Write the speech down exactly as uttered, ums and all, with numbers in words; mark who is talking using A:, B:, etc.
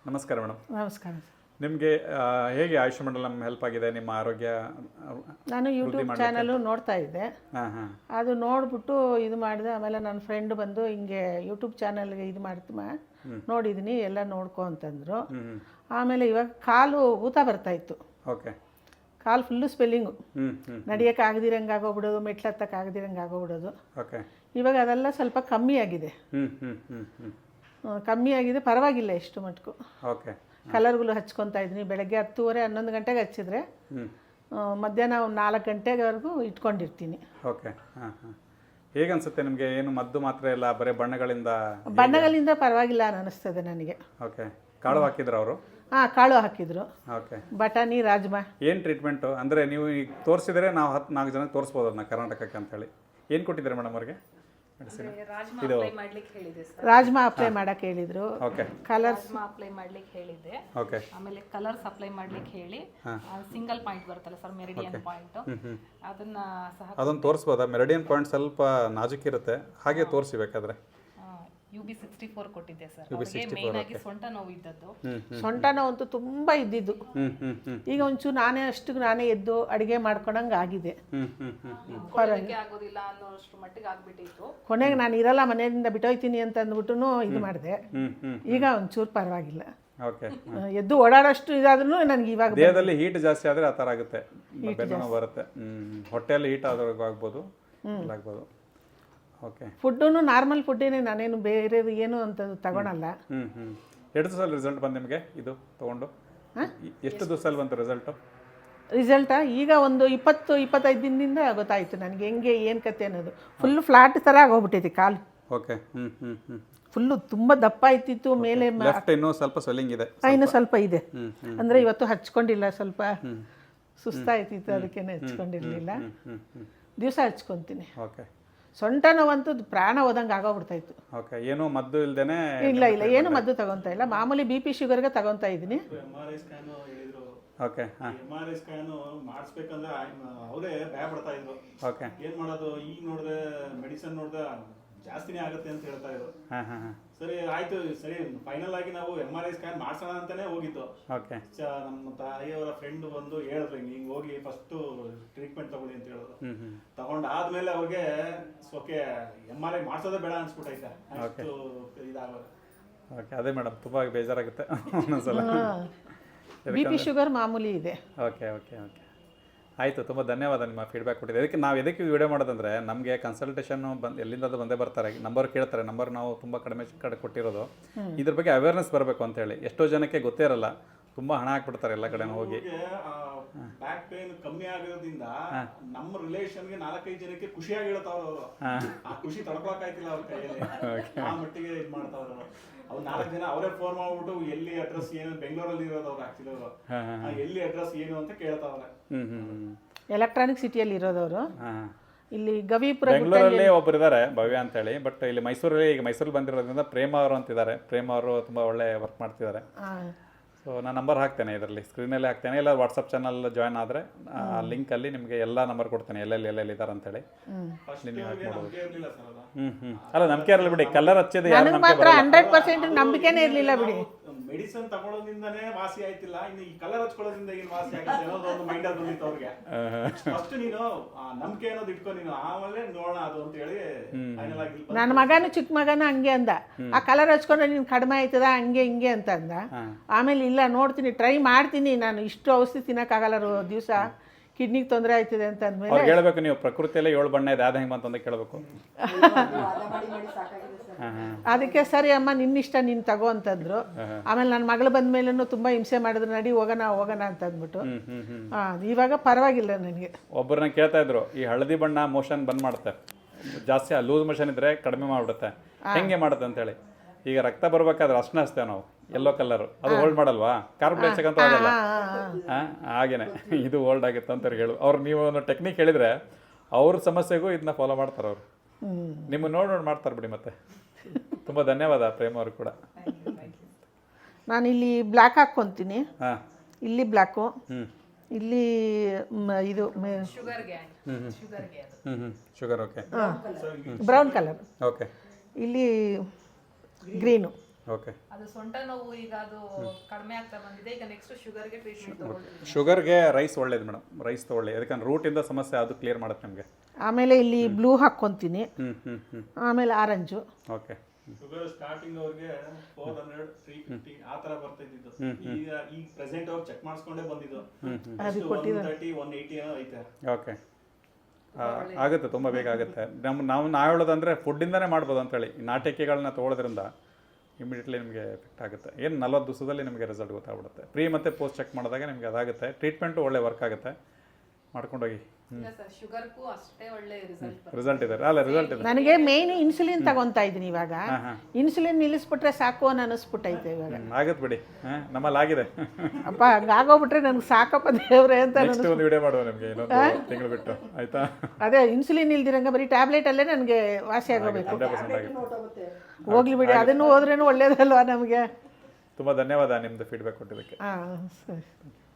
A: ನಮಸ್ಕಾರ ಮೇಡಮ್.
B: ನಮಸ್ಕಾರ.
A: ನಿಮಗೆ ಹೇಗೆ ಆಯುಷ್ ಮಂಡಲಂ ಹೆಲ್ಪ್ ಆಗಿದೆ ನಿಮ್ಮ ಆರೋಗ್ಯ?
B: ನಾನು ಯೂಟ್ಯೂಬ್ ಚಾನಲು ನೋಡ್ತಾ ಇದ್ದೆ.
A: ಹಾಂ ಹಾಂ
B: ಅದು ನೋಡಿಬಿಟ್ಟು ಇದು ಮಾಡಿದೆ. ಆಮೇಲೆ ನನ್ನ ಫ್ರೆಂಡ್ ಬಂದು ಹಿಂಗೆ ಯೂಟ್ಯೂಬ್ ಚಾನಲ್ಗೆ ಇದು ಮಾಡ್ತಮ್ಮ ನೋಡಿದ್ದೀನಿ ಎಲ್ಲ ನೋಡ್ಕೊ ಅಂತಂದರು. ಆಮೇಲೆ ಇವಾಗ ಕಾಲು ಊತ ಬರ್ತಾಯಿತ್ತು.
A: ಓಕೆ.
B: ಕಾಲು ಫುಲ್ಲು ಸ್ಪೆಲ್ಲಿಂಗು,
A: ಹ್ಞೂ ಹ್ಞೂ
B: ನಡಿಯೋಕ್ಕೆ ಆಗದಿರಂಗೆ ಆಗೋಗ್ಬಿಡೋದು, ಮೆಟ್ಲು ಹತ್ತಕ್ಕೆ ಆಗದಿರಂಗೆ ಆಗೋಗ್ಬಿಡೋದು.
A: ಓಕೆ.
B: ಇವಾಗ ಅದೆಲ್ಲ ಸ್ವಲ್ಪ ಕಮ್ಮಿ ಆಗಿದೆ.
A: ಹ್ಞೂ ಹ್ಞೂ ಹ್ಞೂ ಹ್ಞೂ
B: ಕಮ್ಮಿ ಆಗಿದೆ, ಪರವಾಗಿಲ್ಲ ಎಷ್ಟು ಮಟ್ಟಿಗೂ.
A: ಓಕೆ.
B: ಕಲರ್ಗಳು ಹಚ್ಕೊತಾ ಇದ್ದೀನಿ. ಬೆಳಗ್ಗೆ ಹತ್ತುವರೆ ಹನ್ನೊಂದು ಗಂಟೆಗೆ ಹಚ್ಚಿದ್ರೆ ಮಧ್ಯಾಹ್ನ ಒಂದು ನಾಲ್ಕು ಗಂಟೆವರೆಗೂ ಇಟ್ಕೊಂಡಿರ್ತೀನಿ.
A: ಓಕೆ. ಹಾಂ ಹಾಂ ಹೇಗೆ ಅನಿಸುತ್ತೆ ನಿಮಗೆ? ಏನು ಮದ್ದು ಮಾತ್ರ ಇಲ್ಲ, ಬರೀ ಬಣ್ಣಗಳಿಂದ?
B: ಬಣ್ಣಗಳಿಂದ ಪರವಾಗಿಲ್ಲ ಅನ್ನಿಸ್ತದೆ ನನಗೆ.
A: ಓಕೆ. ಕಾಳು ಹಾಕಿದ್ರು ಅವರು?
B: ಹಾಂ, ಕಾಳು ಹಾಕಿದ್ರು.
A: ಓಕೆ.
B: ಬಟಾಣಿ, ರಾಜ್ಮಾ.
A: ಏನು ಟ್ರೀಟ್ಮೆಂಟು ಅಂದರೆ ನೀವು ಈಗ ತೋರಿಸಿದ್ರೆ ನಾವು ಹತ್ತು ನಾಲ್ಕು ಜನಕ್ಕೆ ತೋರಿಸ್ಬೋದು ಅದನ್ನ ಕರ್ನಾಟಕಕ್ಕೆ ಅಂತೇಳಿ. ಏನು ಕೊಟ್ಟಿದ್ದಾರೆ ಮೇಡಮ್ ಅವ್ರಿಗೆ?
C: ಇದು
B: ರಾಜ್ಮಾ ಅಪ್ಲೈ ಮಾಡಕ್ಕೆ ಹೇಳಿದ್ರು.
A: ಓಕೆ.
B: ಕಲರ್ಸ್
C: ಅಪ್ಲೈ ಮಾಡ್ಲಿಕ್ಕೆ ಹೇಳಿದ್ದೆ.
A: ಓಕೆ.
C: ಆಮೇಲೆ ಕಲರ್ಸ್ ಅಪ್ಲೈ ಮಾಡ್ಲಿಕ್ಕೆ ಹೇಳಿ ಸಿಂಗಲ್ ಪಾಯಿಂಟ್ ಬರುತ್ತಲ್ಲ ಸರ್, ಮೆರಿಡಿಯನ್ ಪಾಯಿಂಟ್, ಅದನ್ನ ಸಹ
A: ಅದನ್ನು ತೋರಿಸ್ಬೋದಾ? ಮೆರಿಡಿಯನ್ ಪಾಯಿಂಟ್ ಸ್ವಲ್ಪ ನಾಜುಕಿರುತ್ತೆ, ಹಾಗೆ ತೋರಿಸಬೇಕಾದ್ರೆ.
C: ಯು ಬಿ ಸಿಕ್ಸ್ಟಿ ಫೋರ್ ಕೊಟ್ಟಿದ್ದೆ ಸರ್. ಅವರಿಗೆ ಮೇನ್ ಆಗಿ ಸೊಂಟ ನೋವು ಇದ್ದದ್ದು.
B: ಸೊಂಟ ನೋವು ಅಂತೂ ತುಂಬ ಇದ್ದಿದ್ದು. ಈಗ ಒಂಚೂರು ನಾನೇ ಅಷ್ಟು ನಾನೇ ಎದ್ದು ಅಡುಗೆ ಮಾಡ್ಕೊಂಡಂಗೆ ಆಗಿದೆ.
C: ಆಗೋದಿಲ್ಲ ಅನ್ನೋಷ್ಟು ಮಟ್ಟಿಗೆ ಆಗ್ಬಿಟ್ಟಿತ್ತು.
B: ಕೊನೆಗೆ ನಾನು ಇರಲ್ಲ, ಮನೆಯಿಂದ ಬಿಟ್ಟೋಯ್ತೀನಿ ಅಂತ ಅಂದ್ಬಿಟ್ಟು ಇದು ಮಾಡಿದೆ. ಈಗ ಒಂಚೂರು ಪರವಾಗಿಲ್ಲ.
A: ಓಕೆ.
B: ಎದ್ದು ಓಡಾಡೋಷ್ಟು ಇದಾದ್ರೂ ನನಗೆ ಇವಾಗ
A: ದೇಹದಲ್ಲಿ ಹೀಟ್ ಜಾಸ್ತಿ ಆದರೆ ಆ ಥರ ಆಗುತ್ತೆ, ಬೆನ್ನು ಬರುತ್ತೆ. ಹ್ಞೂ ಹೊಟ್ಟೆಯಲ್ಲಿ ಹೀಟ್ ಆದ್ರೂ ಆಗ್ಬೋದು, ಆಗ್ಬೋದು. ಓಕೆ.
B: ಫುಡ್ಡು ನಾರ್ಮಲ್ ಫುಡ್ಡೇನೆ, ನಾನೇನು ಬೇರೆ ಏನು ಅಂತ ತಗೊಳಲ್ಲ.
A: ಹ್ಞೂ ಹ್ಞೂ ಎಷ್ಟು ದಿವಸ ರಿಸಲ್ಟ್ ಬಂದು ನಿಮಗೆ ಇದು ತೊಗೊಂಡು? ಎಷ್ಟು ದಿವಸದಲ್ಲಿ ಬಂತು ರಿಸಲ್ಟು?
B: ರಿಸಲ್ಟಾ ಈಗ ಒಂದು ಇಪ್ಪತ್ತು ಇಪ್ಪತ್ತೈದು ದಿನದಿಂದ ಗೊತ್ತಾಯಿತು ನನಗೆ ಹೆಂಗೆ ಏನು ಕತೆ ಅನ್ನೋದು. ಫುಲ್ ಫ್ಲಾಟ್ ಥರ ಆಗೋಗ್ಬಿಟ್ಟೈತಿ ಕಾಲು.
A: ಓಕೆ. ಹ್ಞೂ ಹ್ಞೂ ಹ್ಞೂ
B: ಫುಲ್ಲು ತುಂಬ ದಪ್ಪ ಇತ್ತಿತ್ತು ಮೇಲೆ.
A: ಲೆಫ್ಟ್ ಇನ್ನೂ ಸ್ವಲ್ಪ ಸ್ವೆಲ್ಲಿಂಗ್ ಇದೆ,
B: ಇನ್ನೂ ಸ್ವಲ್ಪ ಇದೆ. ಅಂದರೆ ಇವತ್ತು ಹಚ್ಕೊಂಡಿಲ್ಲ, ಸ್ವಲ್ಪ ಸುಸ್ತಾಯ್ತಿತ್ತು, ಅದಕ್ಕೇನೆ ಹಚ್ಕೊಂಡಿರಲಿಲ್ಲ. ದಿವಸ ಹಚ್ಕೊತೀನಿ.
A: ಓಕೆ.
B: ಸೊಂಟ ನೋವಂತೂ ಪ್ರಾಣ ಹೋದಂಗೆ ಆಗೋಗ್ಬಿಡ್ತಾಯಿತ್ತು.
A: ಓಕೆ. ಏನೂ ಮದ್ದು ಇಲ್ದೇನೆ?
B: ಇಲ್ಲ ಇಲ್ಲ, ಏನು ಮದ್ದು ತಗೊತಾ ಇಲ್ಲ. ಮಾಮೂಲಿ ಬಿ ಪಿ ಶುಗರ್ಗೆ ತಗೊತಾ ಇದ್ದೀನಿ.
A: ಓಕೆ. ಹಾಂ.
D: ಎಮ್ ಆರ್ ಐ ಸ್ಕ್ಯಾನ್ ಮಾಡಿಸ್ಬೇಕಂದ್ರೆ ಅವರೇ ಭಯ ಪಡ್ತಾ ಇದ್ರು.
A: ಓಕೆ.
D: ಏನು ಮಾಡೋದು, ಈಗ ನೋಡಿದ್ರೆ ಮೆಡಿಸಿನ್ ನೋಡಿದ್ರೆ ಜಾಸ್ತಿನೇ ಆಗುತ್ತೆ ಅಂತ ಹೇಳ್ತಾ ಇದ್ರು.
A: ಹಾಂ ಹಾಂ ಹಾಂ
D: ಸರಿ ಆಯ್ತು, ಸರಿ ಫೈನಲ್ ಆಗಿ ನಾವು ಎಮ್ ಆರ್ ಐ ಸ್ಕ್ಯಾನ್ ಮಾಡ್ಸೋಣ ಅಂತಾನೆ ಹೋಗಿದ್ದು.
A: ಓಕೆ.
D: ನಮ್ಮ ತಾಯಿಯವರ ಫ್ರೆಂಡ್ ಬಂದು ಹೇಳಿದ್ರು, ಹಿಂಗೆ ಹೋಗಿ ಫಸ್ಟ್ ಟ್ರೀಟ್ಮೆಂಟ್ ತಗೊಳ್ಳಿ ಅಂತ ಹೇಳಿದ್ರು. ತಗೊಂಡು ಆದ್ಮೇಲೆ ಅವ್ರಿಗೆ ಸೋಕೆ ಎಮ್ ಆರ್ ಐ ಮಾಡ್ಸೋದೇ ಬೇಡ ಅನ್ಸ್ಬಿಟ್ಟೈತೆ, ಅಷ್ಟು ಇದಾಗೋದು.
A: ಓಕೆ. ಅದೇ ಮೇಡಮ್, ತುಂಬ ಬೇಜಾರಾಗುತ್ತೆ ಒಂದೊಂದ್ಸಲ.
B: ಬಿ ಪಿ ಶುಗರ್ ಮಾಮೂಲಿ ಇದೆ.
A: ಓಕೆ ಓಕೆ ಓಕೆ ಆಯಿತು. ತುಂಬ ಧನ್ಯವಾದ ನಿಮ್ಮ ಫೀಡ್ಬ್ಯಾಕ್ ಕೊಟ್ಟಿದೆ. ಅದಕ್ಕೆ ನಾವು ಎದಕ್ಕೆ ವಿಡಿಯೋ ಮಾಡೋದಂದರೆ, ನಮಗೆ ಕನ್ಸಲ್ಟೇಷನ್ನು ಬಂದು ಎಲ್ಲಿಂದ ಬಂದೇ ಬರ್ತಾರೆ, ನಂಬರ್ ಕೇಳ್ತಾರೆ. ನಂಬರ್ ನಾವು ತುಂಬ ಕಡಿಮೆ ಕಡೆ ಕೊಟ್ಟಿರೋದು ಇದ್ರ ಬಗ್ಗೆ ಅವೇರ್ನೆಸ್ ಬರಬೇಕು ಅಂತೇಳಿ. ಎಷ್ಟೋ ಜನಕ್ಕೆ ಗೊತ್ತೇ ಇರಲ್ಲ, ತುಂಬ ಹಣ ಹಾಕ್ಬಿಡ್ತಾರೆ ಎಲ್ಲ ಕಡೆ ಹೋಗಿ.
D: ಬ್ಯಾಕ್ ಪೇನ್ ಕಮ್ಮಿ ಆಗೋದ್ರಿಂದ ನಮ್ಮ ರಿಲೇಷನ್ಗೆ ನಾಲ್ಕೈದು ಜನಕ್ಕೆ ಖುಷಿಯಾಗಿ ಹೇಳ್ತಾವ್ರ ಅವರು. ಆ ಖುಷಿ ತಡ್ಕೊಳಕಾಯ್ತಿಲ್ಲ ಅವ್ರ ಕೈಯಲ್ಲಿ, ಆ ಮಟ್ಟಿಗೆ ಇದು ಮಾಡ್ತಾವ್ರ ಅವರು. ಅವ್ರು ನಾಲ್ಕು ಜನ ಅವರೇ ಫೋನ್ ಮಾಡ್ಬಿಟ್ಟು ಎಲ್ಲಿ ಅಡ್ರೆಸ್ ಏನು, ಬೆಂಗಳೂರಲ್ಲಿ ಇರೋದು ಅವ್ರು ಆಕ್ಚುಲಿ ಅವರು, ಎಲ್ಲಿ ಅಡ್ರೆಸ್ ಏನು ಅಂತ ಕೇಳ್ತಾವ್ರೆ.
B: ಎಲೆಕ್ಟ್ರಾನಿಕ್ ಸಿಟಿಯಲ್ಲಿ ಇರೋದವರು. ಇಲ್ಲಿ ಗವಿಪುರ
A: ಬೆಂಗಳೂರಲ್ಲಿ ಒಬ್ಬರು ಇದ್ದಾರೆ, ಭವ್ಯ ಅಂತೇಳಿ. ಬಟ್ ಇಲ್ಲಿ ಮೈಸೂರಲ್ಲಿ, ಈಗ ಮೈಸೂರಲ್ಲಿ ಬಂದಿರೋದ್ರಿಂದ ಪ್ರೇಮ ಅವರು ಅಂತಿದ್ದಾರೆ. ಪ್ರೇಮ ಅವರು ತುಂಬ ಒಳ್ಳೆ ವರ್ಕ್ ಮಾಡ್ತಿದ್ದಾರೆ. ಸೊ ನಾನು ನಂಬರ್ ಹಾಕ್ತೇನೆ, ಇದರಲ್ಲಿ ಸ್ಕ್ರೀನಲ್ಲಿ ಹಾಕ್ತೇನೆ. ಇಲ್ಲ ವಾಟ್ಸಪ್ ಚಾನಲ್ ಜಾಯ್ನ್ ಆದರೆ ಆ ಲಿಂಕಲ್ಲಿ ನಿಮಗೆ ಎಲ್ಲ ನಂಬರ್ ಕೊಡ್ತೇನೆ, ಎಲ್ಲೆಲ್ಲಿ ಎಲ್ಲೆಲ್ಲಿ ಇದ್ದಾರೆ ಅಂತೇಳಿ. ನಿಮಗೆ ಹಾಕ್ಬೋದು. ಹ್ಞೂ ಹ್ಞೂ ಅಲ್ಲ, ನಂಬಿಕೆ ಇರಲಿ ಬಿಡಿ. ಕಲರ್ ಹಚ್ಚಿದೆ ಯಾರು
B: ಮಾತ್ರ ಹಂಡ್ರೆಡ್ ಪರ್ಸೆಂಟ್ ನಂಬಿಕೆನೇ ಇರಲಿಲ್ಲ ಬಿಡಿ.
D: ಮೆಡಿಸಿನ್ ತಗೊಳ್ಳೋದ್ರಿಂದನೇ ವಾಸಿ ಆಯ್ತಿಲ್ಲ, ಇನ್ನು ಈ ಕಲರ್ ಹಚ್ಕೊಳ್ಳೋದ್ರಿಂದ ಏನು ವಾಸಿ ಆಗುತ್ತೆ ಅನ್ನೋದು ಒಂದು ಮೈಂಡ್ ಅಲ್ಲಿ ಬಂದಿತ್ತು ಅವ್ರಿಗೆ. ಫಸ್ಟ್ ನೀನು ನಂಬಿಕೆ ಅನ್ನೋದು ಇಟ್ಕೊ ನೀನು, ಆಮೇಲೆ ನೋಡೋಣ ಅದು ಅಂತ ಹೇಳಿ ಫೈನಲ್ ಆಗಿ.
B: ನನ್ನ ಮಗನು ಚಿಕ್ಕ ಮಗನ ಹಂಗೆ ಅಂದ, ಆ ಕಲರ್ ಹಚ್ಕೊಂಡ್ರೆ ನೀನು ಕಡಿಮೆ ಆಯ್ತದ ಹಂಗೆ ಹಿಂಗೆ ಅಂತ ಅಂದ. ಆಮೇಲೆ ಇಲ್ಲ ನೋಡ್ತೀನಿ, ಟ್ರೈ ಮಾಡ್ತೀನಿ, ನಾನು ಇಷ್ಟು ಔಷಧಿ ತಿನ್ನಕ್ಕಾಗಲ್ಲ ದಿವಸ, ಕಿಡ್ನಿಗೆ ತೊಂದರೆ ಆಯ್ತದೆ ಅಂತ ಅಂದ್ಮೇಲೆ
A: ಹೇಳ್ಬೇಕು. ನೀವು ಪ್ರಕೃತಿಯಲ್ಲೇ ಏಳು ಬಣ್ಣ ಇದೆ, ಅದು ಹೆಂಗೆ ಬಂತಂದ ಕೇಳಬೇಕು.
B: ಅದಕ್ಕೆ ಸರಿ ಅಮ್ಮ ನಿನ್ನಿಷ್ಟ ನೀನು ತಗೋ ಅಂತಂದ್ರು. ಆಮೇಲೆ ನನ್ನ ಮಗಳು ಬಂದ ಮೇಲೂ ತುಂಬ ಹಿಂಸೆ ಮಾಡಿದ್ರು, ನಡಿ ಹೋಗೋಣ ಹೋಗೋಣ ಅಂತ ಅಂದ್ಬಿಟ್ಟು. ಇವಾಗ ಪರವಾಗಿಲ್ಲ ನನಗೆ.
A: ಒಬ್ಬರನ್ನ ಕೇಳ್ತಾ ಇದ್ರು, ಈ ಹಳದಿ ಬಣ್ಣ ಮೋಷನ್ ಬಂದ್ ಮಾಡುತ್ತೆ, ಜಾಸ್ತಿ ಲೂಸ್ ಮೋಷನ್ ಇದ್ರೆ ಕಡಿಮೆ ಮಾಡ್ಬಿಡುತ್ತೆ, ಹೆಂಗೆ ಮಾಡುತ್ತೆ ಅಂತೇಳಿ. ಈಗ ರಕ್ತ ಬರ್ಬೇಕಾದ್ರೆ ಅರ್ಶನ ಹಚ್ತೇವೆ ನಾವು, ಯೆಲ್ಲೋ ಕಲರ್, ಅದು ಹೋಲ್ಡ್ ಮಾಡಲ್ವಾ? ಕಾರ್ಬನ್ ಡೈಆಕ್ಸೈಡ್ ಅಂತ ಆಗಲ್ಲ. ಹಾಗೇನೆ ಇದು ಹೋಲ್ಡ್ ಆಗುತ್ತೆ ಅಂತ ಹೇಳು. ಅವ್ರು ನೀವು ಒಂದು ಟೆಕ್ನಿಕ್ ಹೇಳಿದ್ರೆ ಅವ್ರ ಸಮಸ್ಯೆಗೂ ಇದನ್ನ ಫಾಲೋ ಮಾಡ್ತಾರೆ ಅವರು. ನಿಮ್ಮ ನೋಡಿ ನೋಡಿ ಮಾಡ್ತಾರೆ ಬಿಡಿ. ಮತ್ತೆ ತುಂಬ ಧನ್ಯವಾದ ಪ್ರೇಮ ಅವರು ಕೂಡ.
B: ನಾನು ಇಲ್ಲಿ ಬ್ಲ್ಯಾಕ್ ಹಾಕ್ಕೊತೀನಿ.
A: ಹಾಂ,
B: ಇಲ್ಲಿ ಬ್ಲ್ಯಾಕು,
A: ಹ್ಞೂ
B: ಇಲ್ಲಿ ಇದು
C: ಶುಗರ್ಗೆ ಶುಗರ್ಗೆ
A: ಹ್ಞೂ ಹ್ಞೂ sugar. Okay.
B: Brown colour.
A: Okay.
B: ಇಲ್ಲಿ ಗ್ರೀನು.
A: ಓಕೆ.
C: ಅದು ಸೊಂಟ ನೋವು ಈಗ ಅದು ಕಡಿಮೆ ಆಗ್ತಾ ಬಂದಿದೆ. ಈಗ ನೆಕ್ಸ್ಟ್ ಶುಗರ್ಗೆ ಟ್ರೀಟ್ಮೆಂಟ್ ತಗೊಳ್ತೀವಿ.
A: ಶುಗರ್ಗೆ ರೈಸ್ ಒಳ್ಳೇದು ಮೇಡಮ್, ರೈಸ್ ತೊಗೊಳ್ಳಿ, ಯಾಕಂದ್ರೆ ರೂಟಿಂದ ಸಮಸ್ಯೆ ಅದು ಕ್ಲಿಯರ್ ಮಾಡುತ್ತೆ ನಿಮಗೆ.
B: ಆಮೇಲೆ ಇಲ್ಲಿ ಬ್ಲೂ ಹಾಕ್ಕೊತೀನಿ,
A: ಹ್ಞೂ ಹ್ಞೂ ಹ್ಞೂ
B: ಆಮೇಲೆ ಆರೆಂಜು.
A: ಓಕೆ.
D: ಶುಗರ್ ಸ್ಟಾರ್ಟಿಂಗ್ ಅವ್ರಿಗೆ ಫೋರ್ ಹಂಡ್ರೆಡ್ ತ್ರೀ ಫಿಫ್ಟಿ ಆ ತರ ಬರ್ತಾ ಇದ್ದಿದ್ದು. ಈಗ ಈಗ ಪ್ರೆಸೆಂಟ್ ಅವ್ರು ಚೆಕ್ ಮಾಡಿಸ್ಕೊಂಡೇ ಬಂದಿದ್ದು ಒನ್ ತರ್ಟಿ ಒನ್ ಏಯ್ಟಿ ಏನೋ ಐತೆ.
A: ಓಕೆ. ಆಗುತ್ತೆ, ತುಂಬ ಬೇಗ ಆಗುತ್ತೆ. ನಮ್ಮ ನಾವು ನಾವು ಹೇಳೋದಂದರೆ ಫುಡ್ಡಿಂದನೇ ಮಾಡ್ಬೋದು ಅಂತೇಳಿ. ಈ ನಾಟಿಕೆಗಳನ್ನ ತೊಗೊಳೋದ್ರಿಂದ ಇಮಿಡಿಯೇಟ್ಲಿ ನಿಮಗೆ ಎಫೆಕ್ಟ್ ಆಗುತ್ತೆ. ಏನು ನಲ್ವತ್ತು ದಿವಸದಲ್ಲಿ ನಿಮಗೆ ರಿಸಲ್ಟ್ ಗೊತ್ತಾಗ್ಬಿಡುತ್ತೆ. ಪ್ರೀ ಮತ್ತು ಪೋಸ್ಟ್ ಚೆಕ್ ಮಾಡಿದಾಗ ನಿಮಗೆ ಅದಾಗುತ್ತೆ. ಟ್ರೀಟ್ಮೆಂಟು ಒಳ್ಳೆ ವರ್ಕ್ ಆಗುತ್ತೆ, ಮಾಡ್ಕೊಂಡೋಗಿ.
C: ಇಲ್ಲ ಸರ್, ಶುಗರ್ಗೂ ಅಷ್ಟೇ ಒಳ್ಳೆ ರಿಸಲ್ಟ್
A: ರಿಸಲ್ಟ್ ಇದೆ ಅಲ್ಲ, ರಿಸಲ್ಟ್ ಇದೆ.
B: ನನಗೆ ಮೇಯ್ನ್ ಇನ್ಸುಲಿನ್ ತಗೊತಾ ಇದ್ದೀನಿ ಇವಾಗ. ಇನ್ಸುಲಿನ್ ನಿಲ್ಲಿಸ್ಬಿಟ್ರೆ ಸಾಕು ಅನ್ನೋ ಅನಿಸ್ಬಿಟ್ಟೈತೆ ಇವಾಗ.
A: ಆಗತ್ತೆ ಬಿಡಿ, ಹಾಂ ನಮ್ಮಲ್ಲಿ ಆಗಿದೆ.
B: ಅಪ್ಪ ಹಂಗಾಗೋಗ್ಬಿಟ್ರೆ ನನಗೆ ಸಾಕಪ್ಪ ದೇವ್ರೆ ಅಂತ.
A: ನೆಕ್ಸ್ಟ್ ಒಂದು ವಿಡಿಯೋ ಮಾಡುವ ನಿಮಗೆ ಇನ್ನೊಂದು ತಿಂಗಳು ಬಿಟ್ಟು, ಆಯ್ತಾ?
B: ಅದೇ ಇನ್ಸುಲಿನ್ ಇಲ್ದಿರಂಗೆ ಬರೀ ಟ್ಯಾಬ್ಲೆಟ್ ಅಲ್ಲೇ ನನಗೆ ವಾಸಿ ಆಗೋಬೇಕು.
A: ಹಂಡ್ರೆಡ್ ಪರ್ಸೆಂಟ್ ಆಗಿದೆ.
B: ಹೋಗ್ಲಿ ಬಿಡಿ, ಅದನ್ನು ಹೋದ್ರೇನು ಒಳ್ಳೇದಲ್ವಾ ನಮಗೆ.
A: ತುಂಬ ಧನ್ಯವಾದ ನಿಮ್ಮದು ಫೀಡ್ಬ್ಯಾಕ್ ಕೊಟ್ಟಿದ್ದಕ್ಕೆ.
B: ಹಾಂ ಸರಿ.